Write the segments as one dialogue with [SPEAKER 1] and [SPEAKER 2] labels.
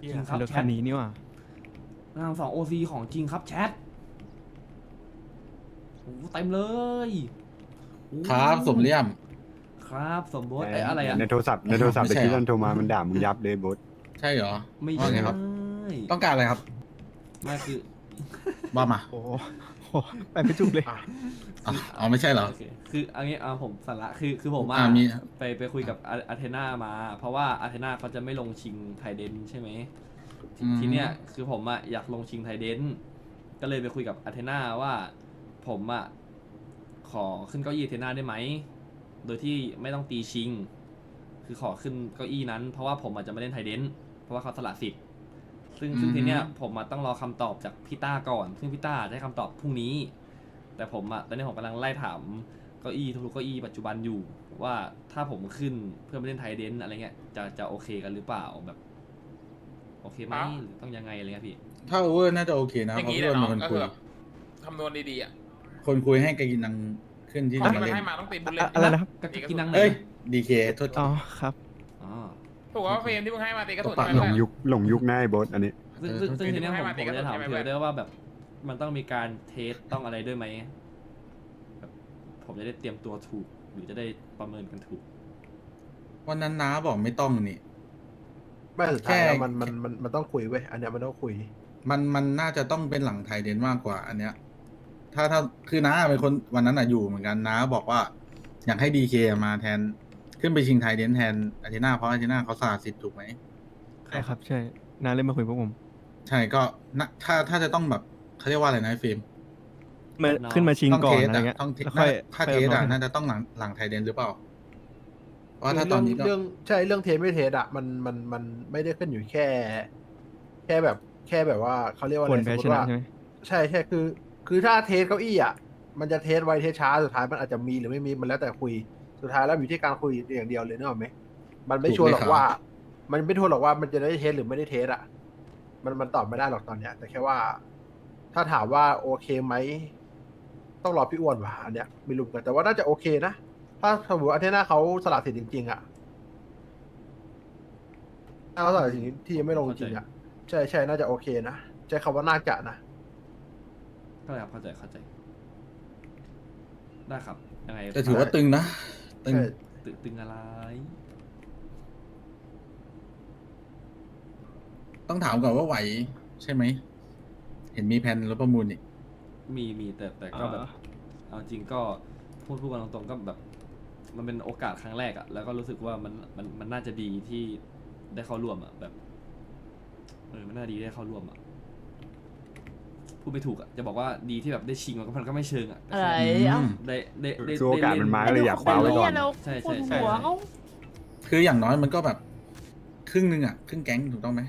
[SPEAKER 1] จริงครับ
[SPEAKER 2] รถ
[SPEAKER 1] แช
[SPEAKER 2] คั
[SPEAKER 1] ท
[SPEAKER 2] นนี้นี่หว่า
[SPEAKER 1] นางสองโอซีของจริงครับแชทโอ้เต็มเลยโอ้
[SPEAKER 3] ครับสมเลี่ยม
[SPEAKER 1] ครับสมบูรณ์อะไรอะ
[SPEAKER 4] ในโทรศัพท์ในโทรศัพท์
[SPEAKER 3] ไม่
[SPEAKER 4] แต่
[SPEAKER 3] ใช่
[SPEAKER 4] ที่
[SPEAKER 3] เหรอ
[SPEAKER 4] นั่นโทรมามันด่ามึงยับเลยบด
[SPEAKER 3] ใช่เหรอ
[SPEAKER 1] ไม่
[SPEAKER 3] ว่า
[SPEAKER 1] ใช่
[SPEAKER 3] ไงครับ ต้องการอะไรครับ
[SPEAKER 1] ไม่คือ
[SPEAKER 3] ว่ามา
[SPEAKER 2] โอ้โหไปไม่ถูกเลย
[SPEAKER 3] อ๋อไม่ใช่เหรอ
[SPEAKER 1] โอเคคืออันนี้ผมสาระคือผม
[SPEAKER 3] มี
[SPEAKER 1] ไปคุยกับอาเทนามา เพราะว่าอาเทนาเขาจะไม่ลงชิงไทเดนใช่ไหมทีเนี้ยคือผมอยากลงชิงไทเดนก็เลยไปคุยกับอาเทนาว่าผมขอขึ้นเก้าอี้อาเทนาได้ไหมโดยที่ไม่ต้องตีชิง คือขอขึ้นเก้าอี้นั้นเพราะว่าผมอาจจะไม่เล่นไทเดนเพราะว่าเขาสละสิทธิ์ซึ่งทีเนี้ยผมต้องรอคำตอบจากพี่ต้าก่อน ซึ่งพี่ต้าจะให้คำตอบพรุ่งนี้ แต่ผมตอนนี้ผมกำลังไล่ถามเก้าอี้ทุกๆเก้าอี้ปัจจุบันอยู่ว่าถ้าผมขึ้นเพื่อไม่เล่นไทเดนอะไรเงี้ยจะโอเคกันหรือเปล่าแบบโอเคไหมหรือต้องยังไงอะไรเงี้ยพี่
[SPEAKER 3] ถ้าโอเวอร์น่าจะโอเคนะ
[SPEAKER 5] อย่า
[SPEAKER 3] เพ
[SPEAKER 5] ง
[SPEAKER 3] ราะ
[SPEAKER 5] นี้
[SPEAKER 3] เพื่
[SPEAKER 5] เล
[SPEAKER 3] อย น
[SPEAKER 5] เนาะ
[SPEAKER 3] เป็นคน
[SPEAKER 5] ก็
[SPEAKER 3] คุ
[SPEAKER 5] คื
[SPEAKER 3] ย
[SPEAKER 5] อแบบคำนวณดีๆอ่ะ
[SPEAKER 3] คนคุยให้กากินังขึ้นที่
[SPEAKER 5] คน
[SPEAKER 3] จะ
[SPEAKER 5] ที่
[SPEAKER 3] มา
[SPEAKER 5] มัน
[SPEAKER 3] เล่น
[SPEAKER 5] ให้มาต้องตีบุลเลต
[SPEAKER 2] อะไรนะครับ
[SPEAKER 1] ก็กินนังไหน
[SPEAKER 3] เอ้ยดีเคโทษที
[SPEAKER 2] อ๋อครับ
[SPEAKER 1] อ๋อ
[SPEAKER 5] ถูกว่าเฟรมที่มึงให้มาตีกระสุน
[SPEAKER 3] ปะ
[SPEAKER 5] ใช่
[SPEAKER 4] หล
[SPEAKER 5] ไหม
[SPEAKER 4] งยุคหลงยุคหน้าไอ้บดอันนี้
[SPEAKER 1] ซึ่งทีเนี้ยผม
[SPEAKER 5] ให้มา
[SPEAKER 1] จะถาม
[SPEAKER 5] ให้มา
[SPEAKER 1] เธอด้วยว่าแบบมันต้องมีการเทสต้องอะไรด้วยไหมแบบผมจะได้เตรียมตัวถูกหรือจะได้ประเมินกันถูก
[SPEAKER 3] วันนั้นน้าบอกไม่ต้องนี่
[SPEAKER 6] ไม่สุดท้ายแล้ว
[SPEAKER 3] แค่
[SPEAKER 6] มันต้องคุยเว้ยอันเนี้ยมันต้องคุย
[SPEAKER 3] มันน่าจะต้องเป็นหลังไทยเดนมากกว่าอันเนี้ย ถ้าคือน้าเป็นคนวันนั้นอยู่เหมือนกันน้าบอกว่า อยากให้ดีเคมาแทนขึ้นไปชิงไทยเดนแทนอาร์เจน่าเพราะอาร์เจน่าเขาสละสิทธิ์ถูกไหม
[SPEAKER 2] ใช่ครับใช่น้าเล่นมาคุยพวกผม
[SPEAKER 3] ใช่ก็นะถ้าจะต้องแบบเขาเรียกว่าอะไรนะไอ้ฟิล์ม
[SPEAKER 2] มาขึ้นมาชิง
[SPEAKER 3] ต้อง
[SPEAKER 2] ก่อ
[SPEAKER 3] เท
[SPEAKER 2] น
[SPEAKER 3] ส
[SPEAKER 2] อะไร
[SPEAKER 3] อะ
[SPEAKER 2] เงี้ย
[SPEAKER 3] ต้องเทส
[SPEAKER 2] แล้วค่อย
[SPEAKER 3] ถ้าเทสอะน่าจะต้องหลังไทยเดนหรือเปล่า เพราะว่าถ้าตอนนี้ก็
[SPEAKER 6] เรื่องใช่เรื่องเทสไม่เทสอะมันไม่ได้ขึ้นอยู่แค่แบบว่าเขาเรียกว่า
[SPEAKER 2] ค
[SPEAKER 6] อะไร
[SPEAKER 2] นแพ้
[SPEAKER 6] สมม
[SPEAKER 2] ช
[SPEAKER 6] ติ
[SPEAKER 2] นะ
[SPEAKER 6] ว่า
[SPEAKER 2] ใช่ไหม
[SPEAKER 6] ใช่คือถ้าเทสเก้าอี้อะมันจะเทสไวเทสช้าสุดท้ายมันอาจจะมีหรือไม่มีมันแล้วแต่คุยสุดท้ายแล้วอยู่ที่การคุยอย่างเดียวเลยนึกออกไหมมันไม่ชัวร์หรอกว่า มันไม่ชัวร์หรอกว่ามันจะได้เทสหรือไม่ได้เทสอะมันตอบไม่ได้หรอกตอนเนี้ย แต่แค่ว่า ถ้าถามว่าโอเคไหมต้องรอพี่อ้วนว่ะอันเนี้ยไม่รู้กันแต่ว่าน่าจะโอเคนะถ้าสมมติอาเทน่าเขาสละสิทธิ์จริงๆอะถ้าเขาสละสิทธิ์ที่ยังไม่ลงจริงอะใช่น่าจะโอเคนะใช้คำว่าน่าจะนะ
[SPEAKER 1] เข้าใจครับเข้าใจได้ครับยังไง
[SPEAKER 3] แต่ถือว่าตึงนะตึง
[SPEAKER 6] ใช่
[SPEAKER 1] ตึงอะไร
[SPEAKER 3] ต้องถามก่อนว่าไหวใช่ไหม เห็นมีแผนรถประมูลนี่
[SPEAKER 1] มีแต่ก็แบบเอาจริงก็พูดกันตรงๆก็แบบ มันเป็นโอกาสครั้งแรกอะแล้วก็รู้สึกว่ามันน่าจะดีที่ได้เข้าร่วมอะแบบมันน่าดีได้เข้าร่วมอะพูดไม่ถูกอะจะบอกว่าดีที่แบบได้ชิงมันก็ไม่เชิงอะแต่
[SPEAKER 7] อะไร
[SPEAKER 1] แค่
[SPEAKER 7] อ่ะ
[SPEAKER 1] ได้
[SPEAKER 4] คือโอกาสมันมา
[SPEAKER 1] ได้
[SPEAKER 4] ก็เลยอยากคว้าไว้ก่อน
[SPEAKER 7] แล้ว
[SPEAKER 1] ใช่
[SPEAKER 7] ปวดหัวเขา
[SPEAKER 3] คืออย่างน้อยมันก็แบบ ครึ่งหนึงอะครึ่งแก๊งถูกต้องไหม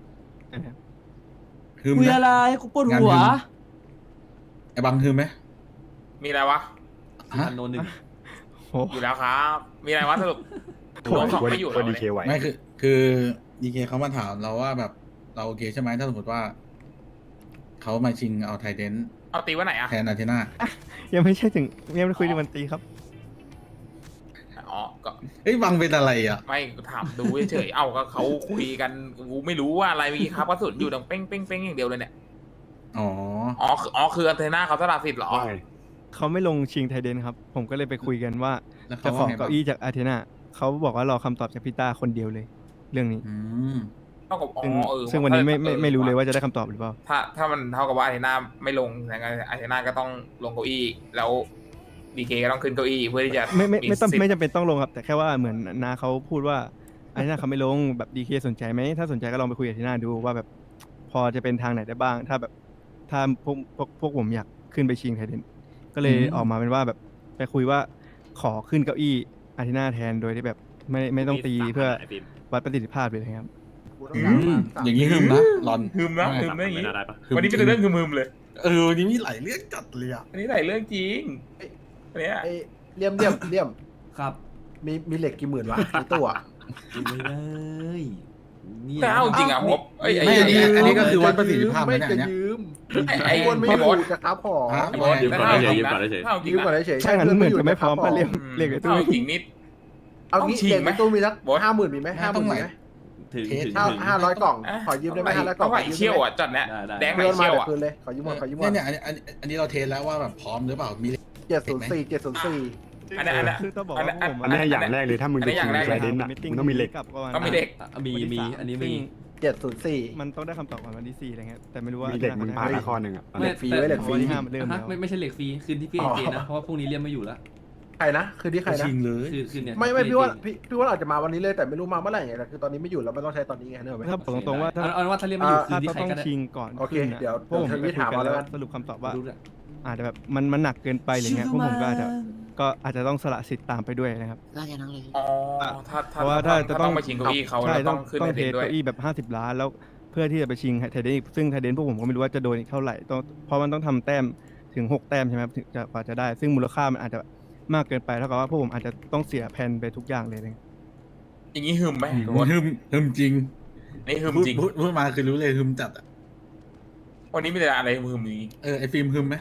[SPEAKER 3] ฮึม
[SPEAKER 7] คุย
[SPEAKER 3] นะ
[SPEAKER 7] อะไรกูปวดหัว
[SPEAKER 3] งานฮึม ไอ้บังฮึมไหม
[SPEAKER 5] มีอะไรวะ
[SPEAKER 1] สุพรรณโนหนึ่ง
[SPEAKER 2] โอ้
[SPEAKER 5] อยู่แล้วครับ มีอะไรวะสรุปรวมสองไม่อยู่
[SPEAKER 4] ว่า
[SPEAKER 5] แล้ว
[SPEAKER 4] ดี
[SPEAKER 5] เนี่ย
[SPEAKER 4] เคไหว
[SPEAKER 3] ไม่คือดีเคเขามาถามเราว่าแบบเราโอเคใช่ไหมถ้าสมมติว่าเขามาชิงเอาไทเดน
[SPEAKER 5] เอาตีวันไหนอ่ะ
[SPEAKER 3] แทนอาร์เทน่า
[SPEAKER 2] ยังไม่ใช่ถึงยังไม่คุยถึงวันตีครับ
[SPEAKER 5] อ๋อก็
[SPEAKER 3] เฮ้ยบังเป็นอะไรอ่ะ
[SPEAKER 5] ไม่ถามดูเฉยๆเอ้าก็เขาคุยกันกูไม่รู้ว่าอะไรเมื่อกี้ครับกระสุนอยู่ดังเป้งเป้งเป้งอย่างเดียวเลยเนี่ย
[SPEAKER 3] อ๋อ
[SPEAKER 5] คืออันเทน่าเขาสละสิทธิ์เหรอ
[SPEAKER 4] ว่าไง
[SPEAKER 2] เขาไม่ลงชิงไทยเดนครับ ผมก็เลยไปคุยกันว่า
[SPEAKER 3] แล้วเขา
[SPEAKER 2] จะขอ
[SPEAKER 3] ว่าไงบ้าง
[SPEAKER 2] เก้าอี้จากอาร์เทนาเขาบอกว่ารอคำตอบจากพี่ต้าคนเดียวเลย เรื่องนี้
[SPEAKER 3] อืม
[SPEAKER 5] เท่ากับ
[SPEAKER 2] ซึ่งวันนี้ไม่รู้เลยว่าจะได้คำตอบหรือเปล่า
[SPEAKER 5] ถ้ามันเท่ากับว่าอาร์เทน่าไม่ลงยังไงอาร์เทน่าก็ต้องลงเก้าอี้แล้วดีเคก็ต้องขึ้นเก้าอี้เพื่อที่จะ
[SPEAKER 2] ไม่ต้อง
[SPEAKER 5] สิทธิ์
[SPEAKER 2] ไม่จำเป็นต้องลงครับ แต่แค่ว่าเหมือนนาเขาพูดว่าอาร์เทนาเขาไม่ลงแบบดีเคสนใจไหมถ้าสนใจก็ลองไปคุยกับอาร์เทนาดูว่าแบบพอจะเป็นทางไหนได้บ้าง ถ้าแบบถ้าพวกผมอยากขึ้นไปชิงไทยเดนก็เลยออกมาเป็นว่าแบบไปคุยว่าขอขึ้นเก้าอี้อาร์เทนาแทนโดยที่แบบไม่ต้องตีเพื่อวัดประสิทธิภาพเลยครับ
[SPEAKER 3] อืมอย่างนี้ฮึมนะรอน
[SPEAKER 5] ฮึมนะ
[SPEAKER 3] ว่าไง
[SPEAKER 5] ฮึมนะอย่างนี้
[SPEAKER 3] ฮึม
[SPEAKER 5] วันนี้เป็นเรื่องฮึมๆเลย
[SPEAKER 3] วันนี้มีหลายเรื่องจัดเลยอ่ะ
[SPEAKER 5] อันนี้หลายเรื่องจริงอันเนี้ย
[SPEAKER 6] ไอ้เลี่ยม
[SPEAKER 1] ครับ
[SPEAKER 6] มีเหล็กกี่หมื่นวะในตู้อะ
[SPEAKER 1] ดูไม่ได้เนี่ย
[SPEAKER 5] แต่เอาจริงอ่ะผมไอ้
[SPEAKER 3] ไม่อันนี้ก็คือวัดประสิทธิภาพ
[SPEAKER 6] ไม่
[SPEAKER 3] นะ
[SPEAKER 6] จะ
[SPEAKER 3] เนี่ย
[SPEAKER 6] ยืม
[SPEAKER 5] ไอ้
[SPEAKER 6] อ้วนไม่
[SPEAKER 5] ไอ้
[SPEAKER 6] อบ
[SPEAKER 5] อส
[SPEAKER 6] ยู่จะครับของ
[SPEAKER 3] ฮะ
[SPEAKER 5] ไอ้บอส
[SPEAKER 3] ยืม
[SPEAKER 5] แต่
[SPEAKER 3] ก่อน
[SPEAKER 5] ถ้า
[SPEAKER 3] ได้
[SPEAKER 5] เอา
[SPEAKER 3] เฉ
[SPEAKER 5] จ
[SPEAKER 3] ย
[SPEAKER 5] ริงนะถ้าเอาจริ
[SPEAKER 6] ยื
[SPEAKER 5] ง
[SPEAKER 6] มก่อน
[SPEAKER 5] นะ
[SPEAKER 6] เฉยๆ
[SPEAKER 2] ถ้างั้นเหมือนจะไม่พร้อม
[SPEAKER 6] ค
[SPEAKER 2] มา
[SPEAKER 6] บ
[SPEAKER 2] เรียกในตู้
[SPEAKER 5] ถ้าเอาจริงนิด
[SPEAKER 6] เอา
[SPEAKER 5] ต้อง
[SPEAKER 6] งี้
[SPEAKER 5] ชิง
[SPEAKER 6] เหล็ก
[SPEAKER 5] ไหม
[SPEAKER 6] ในตู้มีสัก
[SPEAKER 5] บอส
[SPEAKER 6] 50,000มีไหม50,000มีไหม
[SPEAKER 3] ต้องไหน
[SPEAKER 1] ถึง
[SPEAKER 3] เทส
[SPEAKER 1] ถึง
[SPEAKER 6] 500 กล่อง ขอยืมได้ไหม500 กล่อง
[SPEAKER 5] ไหวเชี่ยวอ่ะจัดเนี้ย
[SPEAKER 1] ได้
[SPEAKER 5] แดงไหว
[SPEAKER 6] เพื่อนมา
[SPEAKER 5] เชี่ยว
[SPEAKER 6] เดี๋ยว
[SPEAKER 5] อ่ะ
[SPEAKER 6] คืนเลย ขอยืมหมดขอยืมหมด
[SPEAKER 3] เนี่ยอันนี้เราเทสแล้วว่าแบบพร้อมหรือเปล่ามี
[SPEAKER 6] 704 704
[SPEAKER 5] อันนั้น
[SPEAKER 2] คือต้องบอก
[SPEAKER 5] อัน
[SPEAKER 2] ว่า
[SPEAKER 5] นั้น
[SPEAKER 2] ผม
[SPEAKER 4] อันนี้อย่างแรกเลยถ้ามึง
[SPEAKER 5] อัน
[SPEAKER 4] จะ
[SPEAKER 5] นี้อ
[SPEAKER 4] ชิ
[SPEAKER 5] ย่าง งแรก
[SPEAKER 4] ไทเดนอ่ะมึงต้องมีเหล็ก
[SPEAKER 5] ต้องมีเหล็ก
[SPEAKER 1] มีอันนี้มี
[SPEAKER 6] 704
[SPEAKER 2] มันต้องได้คำตอบก่อนวันที่4อะไรเงี้ยแต่ไม่รู้ว่า
[SPEAKER 4] มีเหล็กมึงพาละข้อหนึ่งอ่ะ
[SPEAKER 6] เหล็กฟรีไว้เหล็กฟรี
[SPEAKER 2] วันที่5มันเริ่ม
[SPEAKER 1] ฮะ
[SPEAKER 2] แล้ว
[SPEAKER 1] ไม่ใช่เหล็กฟรีคืนที่พี่เอเจนะเพราะว่าพรุ่งนี้เรียมไม่อยู่แล้ว
[SPEAKER 6] ใครนะ คือที่ใครนะ
[SPEAKER 3] ชิงเลย
[SPEAKER 1] คือเนี่ย
[SPEAKER 6] ไม่พี่ว่าพี่ว่าอาจจะมาวันนี้เลยแต่ไม่รู้มาเมื่อไหร่ไงแต่คือตอนนี้ไม่อยู่แล้วไม่ต้องใช้ตอนนี้ไงเนอะไหม
[SPEAKER 2] ถ้าบอกตรงๆว่าถ้า
[SPEAKER 1] เอาว่าถ้าเรียมไม่อยู่คื
[SPEAKER 2] ถ้าน
[SPEAKER 1] ที่
[SPEAKER 2] เขา
[SPEAKER 1] ใคร
[SPEAKER 2] ต้อง
[SPEAKER 1] ก็ได้
[SPEAKER 2] ชิงก่อน
[SPEAKER 6] โอเค
[SPEAKER 2] ขึ้นน่ะ
[SPEAKER 6] เดี๋ยว
[SPEAKER 2] พวกผม
[SPEAKER 6] เดี๋ยว
[SPEAKER 2] ไปคุย
[SPEAKER 6] ถาม
[SPEAKER 2] กัน
[SPEAKER 6] เอาแล้
[SPEAKER 2] แล้ว ว
[SPEAKER 6] กัน
[SPEAKER 2] สรุปคำตอบว่า
[SPEAKER 1] รู้ด้วย
[SPEAKER 2] อาจจะแบบมันหนักเกินไปอะไรเงี้ยพวกผมก็อาจจะต้องสละสิทธิ์ตามไปด้วยนะครับ
[SPEAKER 7] น่าจะนั่งเลย
[SPEAKER 5] อ๋อ
[SPEAKER 2] เพราะว่าถ้าจะต้อง
[SPEAKER 5] มาชิงเก้าอี้เขา
[SPEAKER 2] ใช่
[SPEAKER 5] แล้วต้องขึ้น
[SPEAKER 2] ต้อง
[SPEAKER 5] ใน
[SPEAKER 2] เท
[SPEAKER 5] เด็
[SPEAKER 2] ส
[SPEAKER 5] ด้วย
[SPEAKER 2] เก้าอี้แบบ50 ล้านแล้วเพื่อที่จะไปชิงไทเดนอีกซึ่งไทเดนพวกผมก็ไม่รู้ว่าจะโดนอีกเท่าไหร่ต้องเพราะมันต้องทำแต้มถึง6 แต้มใช่ไหมครับถึงจะกว่าจะได้ ซึ่งมูลค่ามันอาจจะมากเกินไปเท่ากับว่าพวกผมอาจจะต้องเสียแผนไปทุกอย่างเลยนะ
[SPEAKER 5] อย่างนี้หึมไหม
[SPEAKER 3] ฮึมจริง
[SPEAKER 5] นี่หึมจริง
[SPEAKER 3] พูดมาคือรู้เลยฮึมจัดอ่ะ
[SPEAKER 5] วันนี้มีแต่อะไรหึมๆนี้
[SPEAKER 3] ไอฟิล์มฮึมไหม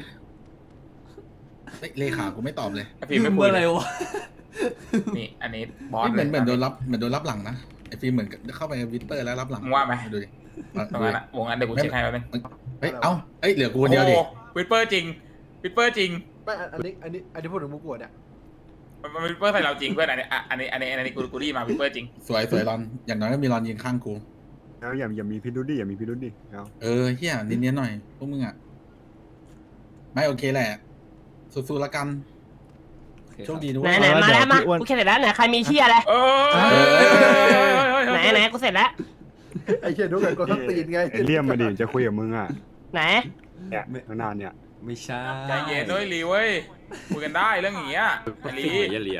[SPEAKER 3] เลขากูไม่ตอบเลย
[SPEAKER 5] ไอ้ฟิล์มไม่พูด
[SPEAKER 1] อะไร
[SPEAKER 5] เลยว
[SPEAKER 1] ะ
[SPEAKER 5] นี่อันนี้บอส
[SPEAKER 3] เหมือน
[SPEAKER 5] ลย
[SPEAKER 3] โดนรับหลังนะไอฟิล์มเหมือนเข้าไปวิตเตอร์แล้วรับหลัง
[SPEAKER 5] มึงว่าไหม
[SPEAKER 3] ดูดิ
[SPEAKER 5] ตรงนั้นอะวงนั้นเดี๋ยวกูเช็คให้แป๊บนึง
[SPEAKER 3] เฮ้ยเอ้าเหลือกูคนเดียวดิ
[SPEAKER 5] โอ้วิปเปอร์จริงวิปเปอร์จริง
[SPEAKER 6] ไม่อันนี้พูดถึงมุกกวดเนี่ย
[SPEAKER 5] มันวิปเปอร์ใส่เราจริงเพื่อนอันนี้กูรีมาวิปเปอร์จริง
[SPEAKER 3] สวยรอนอย่างน้อยก็มีรอนยืนข้างกู
[SPEAKER 4] แล้วอย่ามีพิรุธดิอย่ามีพิรุธดิเอา
[SPEAKER 3] เฮียเนียนๆหน่อยพวกมึงอ่ะไม่โอเคแหละสู้ๆละกันโชคดีด้วย
[SPEAKER 7] ไหนมาแล้วมากูเสร็จแล้วไหนใครมีเชี่ยอะไร
[SPEAKER 5] เออ
[SPEAKER 7] ไหนกูเสร็จแล้ว
[SPEAKER 6] ไอ้เชี่ยดูกันก็ต้องตีนไง
[SPEAKER 4] ไอ้เลี่ยมมาดิจะคุยกับมึงอ่ะ
[SPEAKER 7] ไหน
[SPEAKER 4] เนี่ยข้างหน้าเนี่ย
[SPEAKER 1] ไม่ใช่
[SPEAKER 5] ใจเย็นด้วยลีเว้ยคุยกันได้เรื่องอย่างเงี้ยไอ้ลี
[SPEAKER 1] อย่าเลีย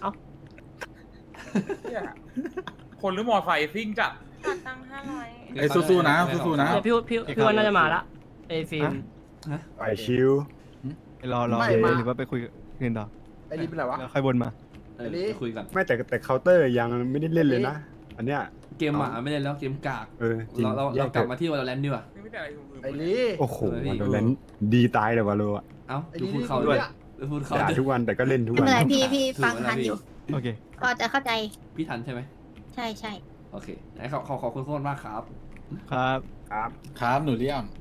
[SPEAKER 5] เนี่ยคนหรือมอไซค์ซิ่งจัด
[SPEAKER 8] ขาดตังค์500
[SPEAKER 3] สู้ๆนะสู้ๆนะ
[SPEAKER 7] เดี๋ยวพี่ว่าน่าจะมาละไอ้ฟิล์ม
[SPEAKER 4] ไปชิว
[SPEAKER 2] รอ
[SPEAKER 6] ไม่
[SPEAKER 2] เลย
[SPEAKER 6] มา
[SPEAKER 2] หรือว่าไปคุยคืนต่อ
[SPEAKER 6] ไอ้นี่เป็นไรวะ
[SPEAKER 2] แล้วค่อยวนมา
[SPEAKER 1] ไปคุยกัน
[SPEAKER 4] ไม่แต่เคาน์เตอร์ยังไม่ได้เล่นเลยนะ อันเนี้ย
[SPEAKER 1] เกมหมาไม่ได้แล้วเกมกาก
[SPEAKER 4] จริง
[SPEAKER 1] เรากลับมาที่วอลเลนดีกว่า
[SPEAKER 5] นี่ไม่ได้อะไรหึมๆ
[SPEAKER 6] ไอ้ลี่
[SPEAKER 4] โอ้โหวันนั้นดีตายเลยวะโลอ่ะ
[SPEAKER 1] เอ้า
[SPEAKER 6] ไอ้
[SPEAKER 1] ดู
[SPEAKER 6] ลี่
[SPEAKER 1] พูด
[SPEAKER 6] นี่
[SPEAKER 1] เขา
[SPEAKER 6] กู
[SPEAKER 1] ด้วย
[SPEAKER 6] เนี่ย
[SPEAKER 1] ดูพูดเขา
[SPEAKER 4] ด่า
[SPEAKER 1] ด้วย
[SPEAKER 4] ทุกวันแต่ก็เล่นทุก
[SPEAKER 8] ไม่
[SPEAKER 4] วัน
[SPEAKER 8] เป็นไรพี่ฟังทันอยู่
[SPEAKER 2] โอเค
[SPEAKER 8] ก็จะเข้าใจ
[SPEAKER 1] พี่ทันใช่ไหม
[SPEAKER 8] ใช่ใช่
[SPEAKER 1] โอเคไหนขอบคุณโคตรมากครับ
[SPEAKER 2] ครับ
[SPEAKER 4] ครับ
[SPEAKER 3] ครับหนูเลี่ยม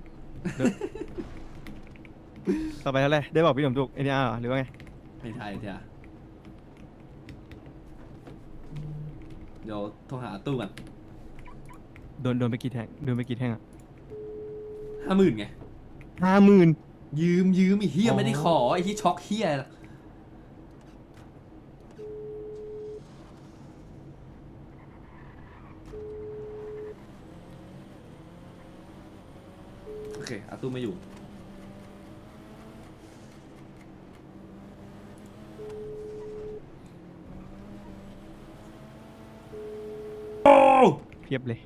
[SPEAKER 2] ต่อไปเท่าไหร่ได้บอกพี่หนุ่มทุกเอ็นอาร์หรือว่าไง
[SPEAKER 1] ไม่ใช่เถอะเดี๋ยวโทรหาตู้กัน
[SPEAKER 2] โดนไปกี่แท่งอ่ะ
[SPEAKER 1] 50,000ไง
[SPEAKER 2] 50,000
[SPEAKER 1] ยืมไอ้เฮีย
[SPEAKER 2] อ๋อ
[SPEAKER 1] ไม่ได้ขอไอ้ที่ช็อกเฮียโอเคอาตู้ไม่อยู่
[SPEAKER 2] เพียบเลย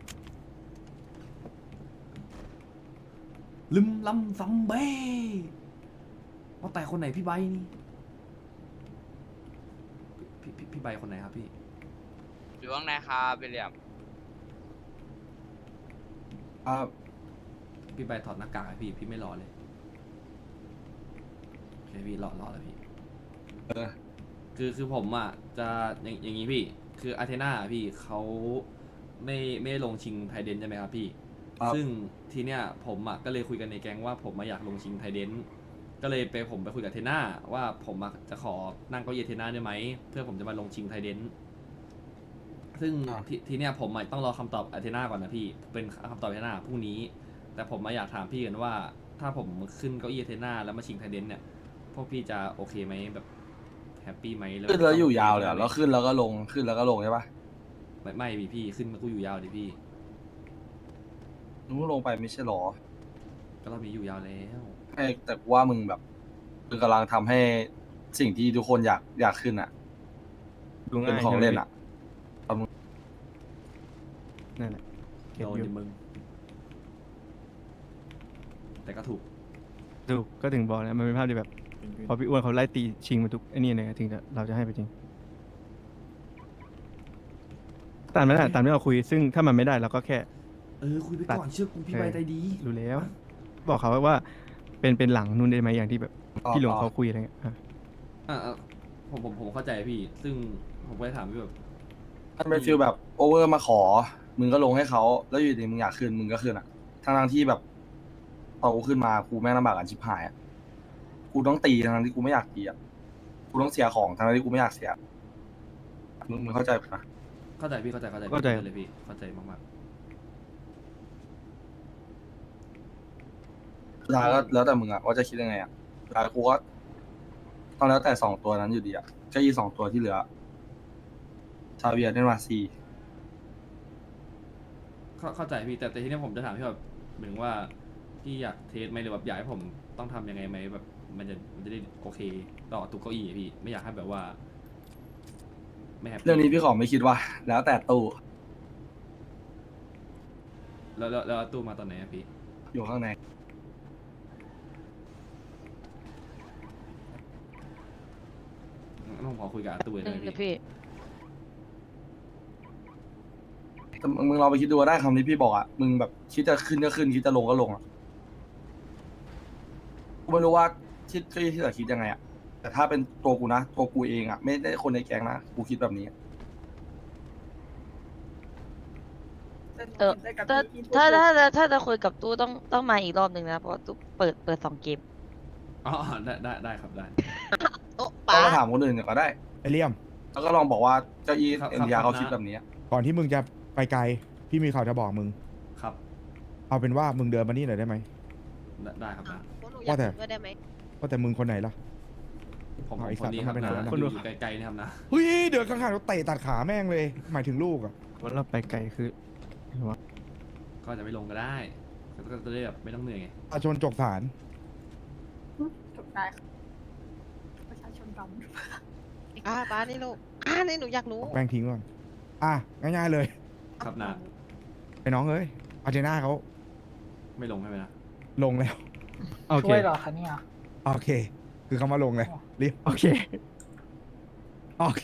[SPEAKER 1] ลืมลำซัมเบ้ว่าแต่คนไหนพี่ใบนี่พี่ใบคนไหนครับพี่
[SPEAKER 9] อยู่ข้างในครับวิลเลียม
[SPEAKER 1] พี่ใบถอดหน้ากากให้พี่ไม่รอเลยโอเคพี่รอแล้วพี่คือผมอ่ะจะอย่างนี้พี่คืออาเทนาพี่เขาไม่ลงชิงไทเดนใช่ไหมครับพี่ซึ่งทีเนี้ยผมอ่ะก็เลยคุยกันในแก๊งว่าผมมาอยากลงชิงไทเดนก็เลยผมไปคุยกับเทน่าว่าผมจะขอนั่งเก้าอี้เทน่าได้ไหมเพื่อผมจะมาลงชิงไทเดนซึ่งทีเนี้ยผมต้องรอคำตอบอาเทน่าก่อนนะพี่เป็นคำตอบอาเทน่าพรุ่งนี้แต่ผมมาอยากถามพี่กันว่าถ้าผมขึ้นเก้าอี้อาเทน่าแล้วมาชิงไทเดนเนี่ยพวกพี่จะโอเคไหมแบบแฮปปี้ไหม
[SPEAKER 10] ขึ้นแล้วอยู่ยาวเลยเหรอแล้วขึ้นแล้วก็ลงขึ้นแล้วก็ลงใช่ปะ
[SPEAKER 1] ไม่พี่ขึ้นมากูอยู่ยาวดิพี่
[SPEAKER 10] มึงลงไปไม่ใช่หรอ
[SPEAKER 1] ก็รอบนี้อยู่ยาวแล้ว
[SPEAKER 10] ให้แต่กูว่ามึงแบบมึงกำลังทำให้สิ่งที่ทุกคนอยากขึ้นอ่ะ
[SPEAKER 2] ดู
[SPEAKER 10] เป็
[SPEAKER 2] ง่าน ย
[SPEAKER 10] ของเล่นอ่ะ
[SPEAKER 2] นั่นแหละเก็บ
[SPEAKER 1] โดน
[SPEAKER 2] อยู่
[SPEAKER 1] ดิมึง แต่ก็ถูก
[SPEAKER 2] ถูกก็ถึงบอกนะมันเป็นภาพที่แบบพอพี่อ้วนเขาไล่ตีชิงมาทุกไอ้นี่เลยถึงเราจะให้ไปจริงตามนั้นตามที่เราคุยซึ่งถ้ามันไม่ได้เราก็แค่
[SPEAKER 1] คุยไปก่อนเชื่อกูพี่ใบใจดี
[SPEAKER 2] รู้แล้ว บอกเขาว่าเป็นหลังนู่นได้ไหมอย่างที่แบบพี่หลงเขาคุยอะไรเงี้ย
[SPEAKER 1] ผมเข้าใจพี่ ซึ่งผมก็เลยถามพี่แบบ
[SPEAKER 10] มันเป็นฟีลแบบโอเวอร์มาขอมึงก็ลงให้เขาแล้วอยู่ดีมึงอยากขึ้นมึงก็ขึ้นอ่ะทั้งที่แบบพอกูขึ้นมากูแม่งลำบากกันชิบหายอ่ะกูต้องตีทั้งที่กูไม่อยากตีอ่ะกูต้องเสียของทั้งที่กูไม่อยากเสียมึงเข้าใจปะ
[SPEAKER 1] เข้าใจพี่เข้าใจเข้าใจ
[SPEAKER 2] เข้าใจ
[SPEAKER 1] เลยพี่เข้าใจมาก
[SPEAKER 10] สุดท้ายก็แล้วแต่มึงอะว่าจะคิดยังไงอะสุดท้ายกูก็ต้องแล้วแต่สองตัวนั้นอยู่ดีอะก็ยี่2 ตัวที่เหลือซาเวียร์เดนมาซี
[SPEAKER 1] ๆเข้าใจพี่แต่ทีนี้ผมจะถามพี่แบบเหมือนว่าพี่อยากเทสไหมหรือแบบอยากให้ผมต้องทำยังไงไหมแบบมันจะได้โอเคต่อตู้เก้าอี้อะพี่ไม่อยากให้แบบว่าไม่แฮปปี้
[SPEAKER 10] เรื่องนี้พี่ขอไม่คิดว่า แล้วแต่ตู้
[SPEAKER 1] แล้วตู้มาตอนไหนอะพี่
[SPEAKER 10] อยู่ข้างใน
[SPEAKER 1] งั้นผมขอคุยกับอาตู้เลยนะพี่
[SPEAKER 8] พี่
[SPEAKER 10] แต่มึงลองไปคิดดูว่าได้คำที่พี่บอกอะมึงแบบคิดจะขึ้นก็ขึ้นคิดจะลงก็ลงอะกูไม่รู้ว่าที่เหลือคิดยังไงอะแต่ถ้าเป็นตัวกูนะตัวกูเองอะไม่ได้คนในแก๊งนะกูคิดแบบนี้
[SPEAKER 8] ถ้าจะคุยกับตู้ต้องมาอีกรอบหนึ่งนะเพราะว่าตู้เปิด2 เกม
[SPEAKER 1] อ๋อได้ครับได้
[SPEAKER 8] โอ้
[SPEAKER 10] ต้องมาถามคนอื่นก็ได้
[SPEAKER 11] ไอเลี่ยม
[SPEAKER 10] แล้วก็ลองบอกว่าเจ้าอี
[SPEAKER 1] ครับ
[SPEAKER 10] เอ็นยา
[SPEAKER 1] ครับ
[SPEAKER 10] เขาคิดแบบนี้
[SPEAKER 11] ก่อนที่มึงจะไปไกล พี่มีข่าวจะบอกมึง
[SPEAKER 1] ครับ
[SPEAKER 11] เอาเป็นว่ามึงเดินมานี่หน่อยได้ไหม
[SPEAKER 1] ได้ครับนะ
[SPEAKER 11] ว่าแต่
[SPEAKER 8] ด้วยได้ไหม
[SPEAKER 11] ว่าแต่มึงคนไหนล่ะ
[SPEAKER 1] ผม
[SPEAKER 11] เอาไอ้
[SPEAKER 1] คนนี้ครับ
[SPEAKER 11] สัตว์
[SPEAKER 1] นะ
[SPEAKER 11] มันเป็น
[SPEAKER 1] คนอยู่ไกลๆนี่ครับนะ
[SPEAKER 11] เฮ้ยเดินข้างๆแล้วเตะตัดขาแม่งเลย หมายถึงลูกอ่ะ
[SPEAKER 2] ว่าเราไปไกลคือ
[SPEAKER 1] ก็จะไม่ลงก็ได้ก็จะได้แบบไม่ต้องเหนื่อยไง
[SPEAKER 11] อาชนจกสาร
[SPEAKER 8] จบได้ประชาชนดำป้านี่ลูกนี่หนูอยากรู้
[SPEAKER 11] แม่งทิ้งก่อนอ่ะง่ายๆเลย
[SPEAKER 1] ครับนะ
[SPEAKER 11] ไอ้น้องเอ้ยอาร์เจน่าเขา
[SPEAKER 1] ไม่ลงใช่ไหมนะ
[SPEAKER 11] ลงแล้ว
[SPEAKER 2] โอเค
[SPEAKER 8] ช่วยเหรอคะเนี่ย
[SPEAKER 11] โอเค คือเขามาลงเลยรีบ
[SPEAKER 2] โอเค
[SPEAKER 11] โอเค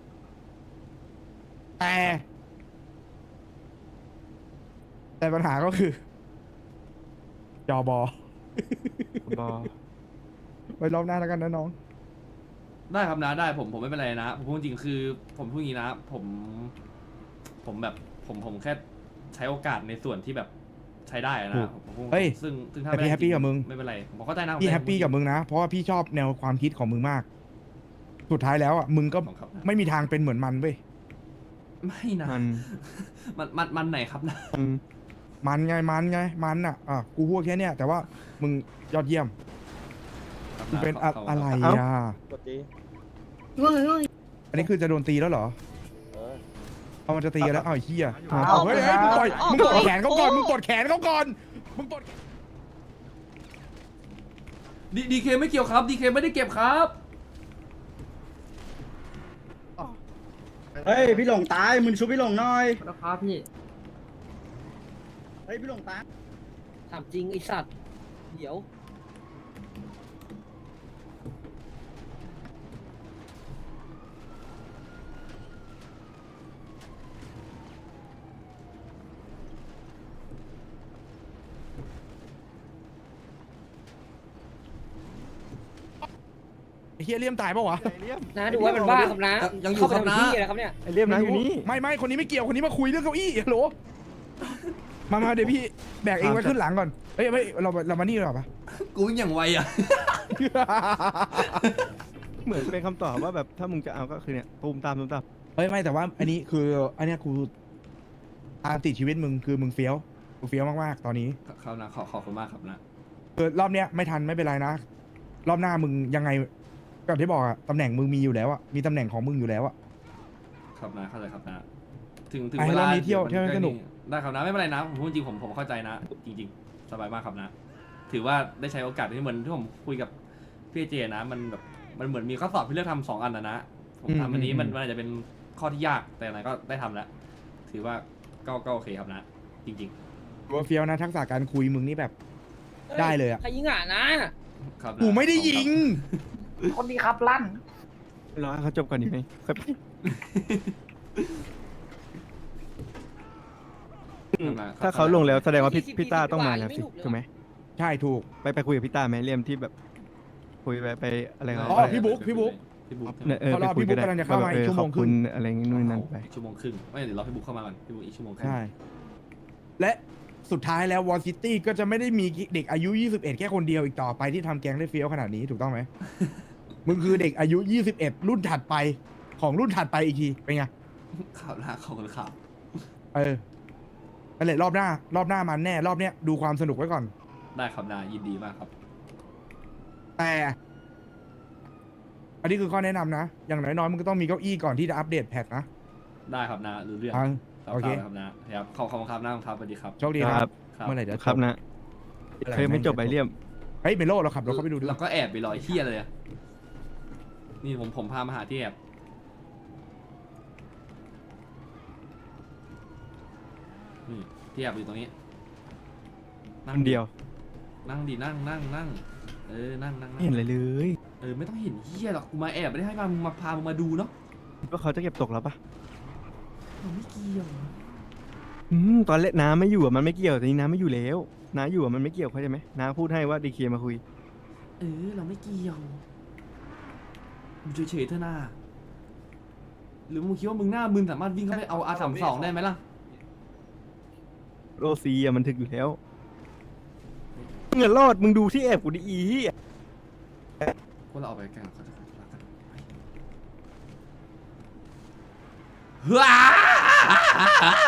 [SPEAKER 11] แต่ปัญหาก็คือจอบอ
[SPEAKER 2] บอ
[SPEAKER 11] ไว้รอบหน้าแล้วกันนะน้อง
[SPEAKER 1] ได้ครับนะได้ผมไม่เป็นไรนะผมพูดจริงคือผมพูดอย่างนี้นะผมแบบผมแค่ใช้โอกาสในส่วนที่แบบใช้ได้อะ
[SPEAKER 11] ถู
[SPEAKER 1] นะ
[SPEAKER 11] ก
[SPEAKER 1] ผมพูด
[SPEAKER 11] เฮ้ย
[SPEAKER 1] ซึ่งถ้า
[SPEAKER 11] แต่
[SPEAKER 1] ไม่
[SPEAKER 11] พี่
[SPEAKER 1] ได้
[SPEAKER 11] แฮปปี้
[SPEAKER 1] จริ
[SPEAKER 11] กับมึง
[SPEAKER 1] ไม่เป็นไรผมเข้าใจนะ
[SPEAKER 11] พี่แฮปปี้กับมึงนะ เพราะว่าพี่ชอบแนวความคิดของมึงมาก สุดท้ายแล้วอ่ะมึงก็
[SPEAKER 1] ของครับนะ
[SPEAKER 11] ไม่มีทางเป็นเหมือนมันเว้ย
[SPEAKER 1] ไม่นะ
[SPEAKER 2] มัน
[SPEAKER 1] มันไหนครับนะ
[SPEAKER 2] มัน
[SPEAKER 11] มันอ่ะกูพูดแค่เนี้ยแต่ว่ามึงยอดเยี่ยม
[SPEAKER 1] ครับ
[SPEAKER 11] มึงเป็น
[SPEAKER 1] ขบคุณ
[SPEAKER 11] อะไร
[SPEAKER 1] คบ
[SPEAKER 11] อ่ะอันนี้คือจะโดนตีแล้วเหรอเอามันจะตีกันแล้วเอาไอ้เหี้ย
[SPEAKER 2] เอา
[SPEAKER 11] เอาเฮ้ยเฮ้ยมึงต่อยมึงกดแขนเขาก่อนมึงกดแขนเขาก่อนมึงกด
[SPEAKER 1] ดีเคไม่เกี่ยวครับดีเคไม่ได้เก็บครับ
[SPEAKER 10] เฮ้ยพี่หลงตายมึงชุบพี่หลงหน่อย
[SPEAKER 7] แล้วครับพี่
[SPEAKER 10] เฮ้ยพี่หลงตาย
[SPEAKER 7] ถามจริงไอสัตว์เดี๋ยว
[SPEAKER 11] ไอ้เหี้ยเลี่ยมตายปะวะ
[SPEAKER 7] นะดูว่ามันบ้าครับนะ
[SPEAKER 1] ยังอยู่ครับนะ
[SPEAKER 7] เข้าไปทำที่อะไรครับเนี่ย
[SPEAKER 2] ไอเรียมนะอยู่นี่
[SPEAKER 11] ไม่คนนี้ไม่เกี่ยวคนนี้มาคุยเรื่องเก้าอี้ฮัลโหลมาเดี๋ยวพี่แบกเองไว้ขึ้นหลังก่อนเฮ้ยเรามานี่ดีกว่าปะ
[SPEAKER 1] กูวิ่งอย่างไวอ่ะ
[SPEAKER 2] เหมือนเป็นคำตอบว่าแบบถ้ามึงจะเอาก็คือเนี่ยตูมตาม
[SPEAKER 11] เฮ้ยไม่แต่ว่าอันนี้คืออันเนี้ยกูตามติดชีวิตมึงคือมึงเฟี้ยวมากๆตอนนี้
[SPEAKER 1] ครับนะขอบคุณมากครับนะ
[SPEAKER 11] คือรอบเนี้ยไม่ทันไม่เป็นไรนะ รอบหน้ามึงยังไงแบบที่บอกอะตำแหน่งมึงมีอยู่แล้วอะมีตำแหน่งของมึงอยู่แล้วอะ
[SPEAKER 1] ครับนะเข้าใจครับนะถึง
[SPEAKER 11] ไป
[SPEAKER 1] เว
[SPEAKER 11] รอ
[SPEAKER 1] ลา
[SPEAKER 11] บนี้เที่ยวให้สนุก
[SPEAKER 1] ได้ครับนะไม่เป็นไรนะผมพูดจริงผมเข้าใจนะ จริง ๆ สบายมากครับนะ ถือว่าได้ใช้โอกาสที่เหมือนที่ผมคุยกับพี่เจนะมันแบบมันเหมือนมีข้อสอบที่เลือกทำ2 อันนะผมทำอันนี้มันอาจจะเป็นข้อที่ยากแต่ไหนก็ได้ทำแล้วถือว่าก็โอเคครับนะ จริง
[SPEAKER 11] ว่าเฟี้ยวนะทักษะการคุยมึงนี่แบบได้เลยอะ
[SPEAKER 7] ใครยิงอ่ะนะ
[SPEAKER 1] ๆ ครับนะ
[SPEAKER 11] กูไม่ได้ยิง
[SPEAKER 7] คนดีครับลั่น
[SPEAKER 2] รอให้เขาจบก่อนดีไหมครับ
[SPEAKER 1] ครับนะ
[SPEAKER 2] ถ้าเขาลงแล้วแสดงว่าพี่ต้าต้องมาแล้วสิถูกไหม
[SPEAKER 11] ใช่ถูก
[SPEAKER 2] ไปคุยกับพี่ต้าไหมเรียมที่แบบ คุยไปอะไรเขา
[SPEAKER 11] อ๋อพี่บุ๊ก
[SPEAKER 1] พี่บุ๊ก
[SPEAKER 2] เนี่ยเออ
[SPEAKER 11] เพราะ
[SPEAKER 2] ไป
[SPEAKER 11] รอ
[SPEAKER 2] คุย
[SPEAKER 11] พี่บุ๊
[SPEAKER 2] ก็
[SPEAKER 11] ก
[SPEAKER 2] ได้
[SPEAKER 11] กำลังจะเข้ามา
[SPEAKER 2] ว่
[SPEAKER 11] อีกชั่วโมง
[SPEAKER 2] ขอบ
[SPEAKER 11] ครึ่
[SPEAKER 2] คุ
[SPEAKER 11] ง
[SPEAKER 2] ณอะไรงี้นู่นนั่นไป
[SPEAKER 1] ชั่วโมงครึ่งไม่เดี๋ยวรอพี่บุ๊กเข้ามาก่อนพี่บุ๊กอีกชั่วโมงครึ่ง
[SPEAKER 11] ใช่ และสุดท้ายแล้ววอลซิตี้ก็จะไม่ได้มีเด็กอายุ 21 แค่คนเดียวอีกต่อไปที่ทำแกงได้เฟี้ยวขนาดนี้ถูกต้องไหม มึงคือเด็กอายุ 21 รุ่นถัดไปของรุ่นถัดไปอีกทีเป็นไง
[SPEAKER 1] ข่าวหน้าของข่าว
[SPEAKER 11] เออนั่นแหละรอบหน้ามันแน่รอบเนี้ยดูความสนุกไว้ก่อน
[SPEAKER 1] ได้ครับนายินดีมากครับ
[SPEAKER 11] แต่ อันนี้คือข้อแนะนำนะ อย่างน้อยๆมึงก็ต้องมีเก้าอี้ก่อนที่จะอัปเดตแพทนะ
[SPEAKER 1] ได้ครับนารู้เรื่อง
[SPEAKER 11] อ่ะ
[SPEAKER 1] รับ
[SPEAKER 11] โอเค
[SPEAKER 1] ครับนะครับขอบคุณครับนาครับสวัสดีครับ
[SPEAKER 11] โชคดีค
[SPEAKER 2] ครั
[SPEAKER 11] รับ
[SPEAKER 2] บ
[SPEAKER 1] ครับ
[SPEAKER 11] เมื่อไหร่จะจ
[SPEAKER 2] ครับนะเคยไม่จบไปเลี่ยม
[SPEAKER 11] เฮ้ยเมโลเราขับรถเข้าไปดูดิ
[SPEAKER 1] เราก็แอบไปรอยเที่ยเลยอะนี่ผมพามาหาที่แอบนี่ที่แอบอยู่ตรงนี้
[SPEAKER 2] คนเดียว
[SPEAKER 1] นั่งดินั่งนั่งนั่งเออนั่งนั่ง
[SPEAKER 2] ไม่เห็นอะไรเลย
[SPEAKER 1] เออไม่ต้องเห็นเฮียหรอกกูมาแอบไม่ได้ให้มาพามึงมาดูเนาะ
[SPEAKER 2] ว่าเขาจะเก็บตกแล้วปะ
[SPEAKER 1] มันไม่เกี่ยว
[SPEAKER 2] ตอนเล่นน้าไม่อยู่อะมันไม่เกี่ยวแต่นี้น้าไม่อยู่แล้วน้าอยู่อะมันไม่เกี่ยวเข้าใจไหมน้าพูดให้ว่าดีเคมาคุย
[SPEAKER 1] เออเราไม่เกี่ยวมึงเฉยๆเถอะนาหรือมึงคิดว่ามึงหน้ามึนสามารถวิ่งเข้าไปเอาR32ได้ไหมล่ะ
[SPEAKER 2] โรซีอะมันถึกอยู่แล้วมึงอะรอดมึงดูที่แอบกูดิอีเหี้ย
[SPEAKER 1] พวกเราเอาไปกันเขาจะคุยกันว้า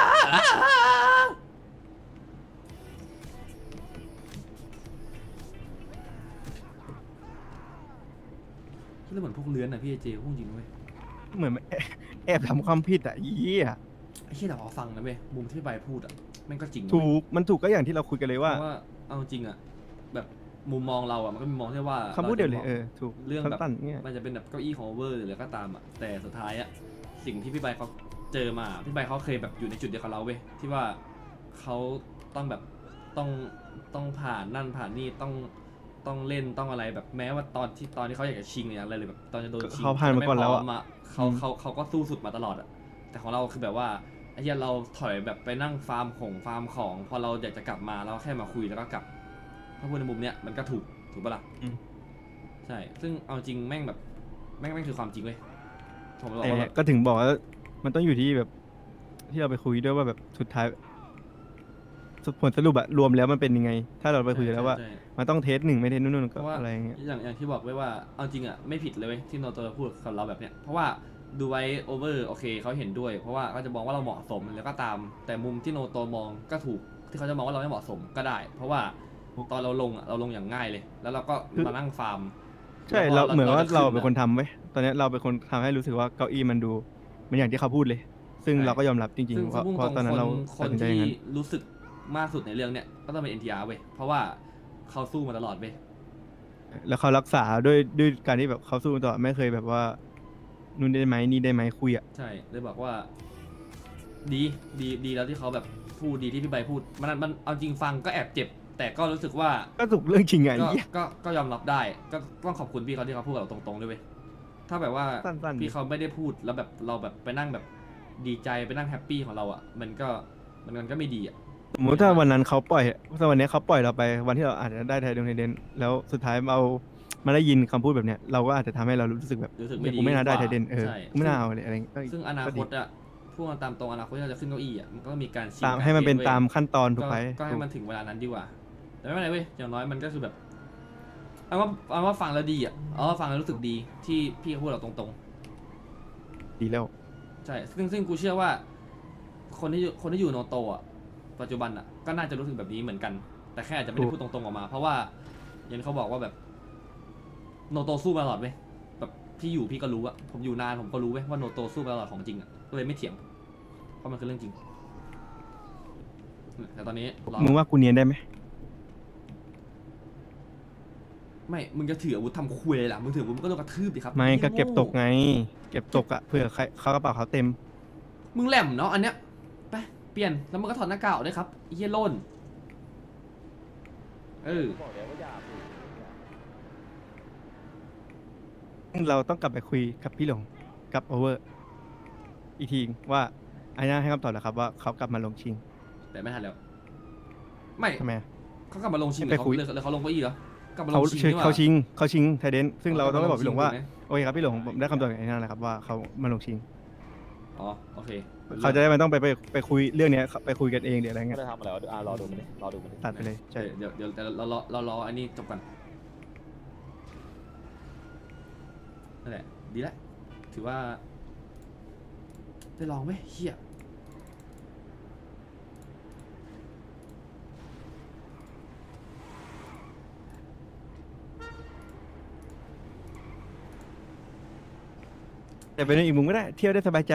[SPEAKER 1] คิดแล้วเหมือนพวกเลื้อนอะพี่เจพูดจริงเว้ย
[SPEAKER 2] เหมือนแอบทำความผิดอะอีเหี้ย
[SPEAKER 1] ไอ้เชี่ยแต่พอฟังนะเว้ยมุมที่ใบพูดอะแม่งก็จริงนะ
[SPEAKER 2] ถู
[SPEAKER 1] เว้ย
[SPEAKER 2] กมันถูกก็อย่างที่เราคุยกันเลย
[SPEAKER 1] เพ
[SPEAKER 2] ว่า
[SPEAKER 1] ราะว่าเอาจริงอะแบบมุมมองเราอะมันก็มีมองที่ว่า
[SPEAKER 2] คำพูดเดียวเลย
[SPEAKER 1] ราจะ
[SPEAKER 2] เออถูก
[SPEAKER 1] เรื่องแบบ
[SPEAKER 2] สั้นๆเนี่ย
[SPEAKER 1] มันจะเป็นแบบเก้าอี้ของโอเวอร์หรืออะไรก็ตามอะแต่สุดท้ายอะสิ่งที่พี่ใบเขาเจอมาพี่ใบเขาเคยแบบอยู่ในจุดเดียวกับเราเว้ยที่ว่าเขาต้องแบบต้องผ่านนั่นผ่านนี่ต้องเล่นต้องอะไรแบบแม้ว่าตอนที่เขาอยากจะชิงอะไรเลยแบบตอนจะโดนชิง
[SPEAKER 2] เขาผ่านมาก่อนแล้วอะ
[SPEAKER 1] ไม่พร้มเขาก็สู้สุดมาตลอดอะแต่ของเราคือแบบว่าไอ้เหี้ยเราถอยแบบไปนั่งฟาร์มของพอเราอยากจะกลับมาเราแค่มาคุยแล้วก็กลับถ้าพูดในมุมเนี้ยมันก็ถูกปะล่ะ ใช่ ซึ่งเอาจริงแม่งแบบแม่งคือความจริงเว้ยผมบอก
[SPEAKER 2] แต่
[SPEAKER 1] ว่าแบบ
[SPEAKER 2] ก็ถึงบอกว่ามันต้องอยู่ที่แบบ ที่เราไปคุยด้วยว่าแบบสุดท้ายผลสรุปอะรวมแล้วมันเป็นยังไง ถ้าเราไปคุยกันแล้วว่า
[SPEAKER 1] ใช่
[SPEAKER 2] มันต้องเทสหนึ่งไม่เทสนู่น
[SPEAKER 1] เพ
[SPEAKER 2] ก็
[SPEAKER 1] ราะว่า
[SPEAKER 2] อะไรอย่างเงี้ย
[SPEAKER 1] อย่างที่บอกไว้ว่าเอาจริงอ่ะไม่ผิดเลยเว้ยที่โนโตพูดกับเราแบบเนี้ยเพราะว่าดูไว้โอเวอร์โอเคเขาเห็นด้วย เพราะว่าเขาจะมองว่าเราเหมาะสมแล้วก็ตาม แต่มุมที่โนโตมองก็ถูกที่เขาจะมองว่าเราไม่เหมาะสมก็ได้ เพราะว่าตอนเราลงอะเราลงอย่างง่ายเลย แล้วเราก็มานั่งฟาร์ม
[SPEAKER 2] ใช่
[SPEAKER 1] แล้วพ
[SPEAKER 2] เราเหมือนว่า
[SPEAKER 1] จะ
[SPEAKER 2] เรา
[SPEAKER 1] ขึ้
[SPEAKER 2] เป็นคนทำไว้ยตอนเนี้ยเราเป็นคนทำให้รู้สึกว่าเก้าอี้มันดูมันอย่างที่เขาพูดเลย ซึ่ง
[SPEAKER 1] ใช่
[SPEAKER 2] เราก็ยอมรับจริง
[SPEAKER 1] ซึ่ง
[SPEAKER 2] ๆเพราะ
[SPEAKER 1] ซึ่ง
[SPEAKER 2] เพราะตอนนั้นเรา
[SPEAKER 1] ค
[SPEAKER 2] ตัด
[SPEAKER 1] น
[SPEAKER 2] สินใจ
[SPEAKER 1] ที่
[SPEAKER 2] อย่างนั้น
[SPEAKER 1] รู้สึกมากสุดในเรื่องเนี้ยก็ต้องเป็น NTR เว้ยเพราะว่าเขาสู้มาตลอดเว้ย
[SPEAKER 2] แล้วเขารักษาด้วยการที่แบบเขาสู้ต่อไม่เคยแบบว่านู่นได้ไหมนี่ได้ไหมคุยอะ
[SPEAKER 1] ใช่เลยบอกว่า ดีแล้วที่เขาแบบพูดดีที่พี่ใบพูดมันเอาจริงฟังก็แอบเจ็บ แต่ก็รู้สึกว่า
[SPEAKER 2] ก็ถูกเรื่องจริงไง
[SPEAKER 1] ก็
[SPEAKER 2] เหี้ย
[SPEAKER 1] ก็ยอมรับได้ ก็ต้องขอบคุณพี่เขาที่เขาพูดกับเราตรงๆด้วยเว้ยถ้าแบบว่า
[SPEAKER 2] สั้นๆ
[SPEAKER 1] พี่เขาไม่ได้พูดแล้วแบบเราแบบไปนั่งแบบดีใจไปนั่งแฮปปี้ของเราอ่ะมันก็ไม่ดีอ่ะ
[SPEAKER 2] สมมติถ้าวันนั้นเขาปล่อยถ้าวันนี้เขาปล่อยเราไปวันที่เราอาจจะได้ไทยดงไทยเดนแล้วสุดท้ายเรามาได้ยินคำพูดแบบเนี้ยเราก็อาจจะทำให้เรารู้สึกแบบ
[SPEAKER 1] รู้สึก
[SPEAKER 2] เนี่
[SPEAKER 1] ไม่
[SPEAKER 2] ย
[SPEAKER 1] ดี
[SPEAKER 2] กูไม่น่าได้
[SPEAKER 1] กว่า
[SPEAKER 2] ไทยเดน
[SPEAKER 1] ใช่
[SPEAKER 2] กูไม่น่าเอาเลยอะไรเงี้ยก็
[SPEAKER 1] ซึ่งอนา
[SPEAKER 2] ก็
[SPEAKER 1] ค
[SPEAKER 2] ดี
[SPEAKER 1] ตอ่ะพูดกันตามตรงอนาคตที่เราจะขึ้นเก้าอี้อ่ะมันก็ต้องมีการชิง
[SPEAKER 2] ตาม
[SPEAKER 1] การ
[SPEAKER 2] ให้มันเป็น
[SPEAKER 1] ทรดว้ย
[SPEAKER 2] ตามขั้นตอนถูกไหม
[SPEAKER 1] ก็ให้มันถึงเวลานั้นดีกว่า แต่ไม่เป็นไรเว้ยอย่างน้อยมันก็คือแบบเอาว่าฟังแล้วดีอ่ะฟังแล้วรู้สึกดีที่พี่เขาพูดเราตรงๆ
[SPEAKER 2] ดีแล้ว
[SPEAKER 1] ใช่ ซึ่งกูเชื่อว่า คนที่อยู่โนโตอ่ะ ปัจจุบันอ่ะ ก็น่าจะรู้สึกแบบนี้เหมือนกัน แต่แค่อาจจะไม่ได้พูดตรงๆออกมา เพราะว่า อย่างที่เขาบอกว่าแบบ โนโตสู้มาตลอดเว้ย แบบพี่อยู่พี่ก็รู้อะผมอยู่นานผมก็รู้เว้ยว่าโนโตสู้มาตลอดของจริงอะก็เลยไม่เถียง เพราะมันคือเรื่องจริง แต่ตอนนี้รอ
[SPEAKER 2] มึงว่ากูเนียนได้ไหม
[SPEAKER 1] ไม่ มึงจะถืออาวุธทำคุยเลยล่ะ มึงถืออาวุธมึงก็โดนกระทืบดิครับ
[SPEAKER 2] ไม่ก็
[SPEAKER 1] หี้ย
[SPEAKER 2] เก็บตก
[SPEAKER 1] โง่
[SPEAKER 2] ไง เก็บตกอะเผื่อใครเขากระเป๋าเขาเต็ม
[SPEAKER 1] มึงแหลมเนาะอันเนี้ย ไป เปลี่ยน แล้วมึงก็ถอดหน้ากากออกด้วยครับไอ้เหี้ยโล่น
[SPEAKER 2] เราต้องกลับไปคุยกับพี่หลงกับโอเวอร์อีกทีว่าไอ้น่าให้คำตอบแล้วครับว่าเขากลับมาลงชิง
[SPEAKER 1] แต่ไม่ทันแล้ว ไม่
[SPEAKER 2] ทำไมอะ
[SPEAKER 1] เขากลับมาลงชิงห
[SPEAKER 2] ไป
[SPEAKER 1] รือเขา
[SPEAKER 2] คุย
[SPEAKER 1] หรือเขาลงเก้าอี้เหรอกลับมาล
[SPEAKER 2] เขา
[SPEAKER 1] งชิง
[SPEAKER 2] เขา
[SPEAKER 1] นี่หว่
[SPEAKER 2] เขาชิงไทเดนซึ่งเราต้องไปบอกพี่หลงว่า
[SPEAKER 1] ถูกไหม
[SPEAKER 2] โอเคครับพี่หลงผมได้คำตอบจากไอ้นั่นแหละครับว่าเขามาลงชิง
[SPEAKER 1] อ๋อโอเค
[SPEAKER 2] เขาจะได้ไม่ต้องไปคุยเรื่องเนี้ยไปคุยกันเองเดี๋ยวอะไร
[SPEAKER 12] ก็
[SPEAKER 2] เงี้ย
[SPEAKER 12] ได้ทำมาแล้วรอดูมันดิรอดูมันดิ
[SPEAKER 2] ตัดไปเลยใช่
[SPEAKER 1] เดี๋ยวเรารออันนี้จบกันนั่นแหละดีแล้วถือว่าได้ลองไหมเฮีย
[SPEAKER 2] แต่เป็นอีกมุมก็ได้เที่ยวได้สบายใจ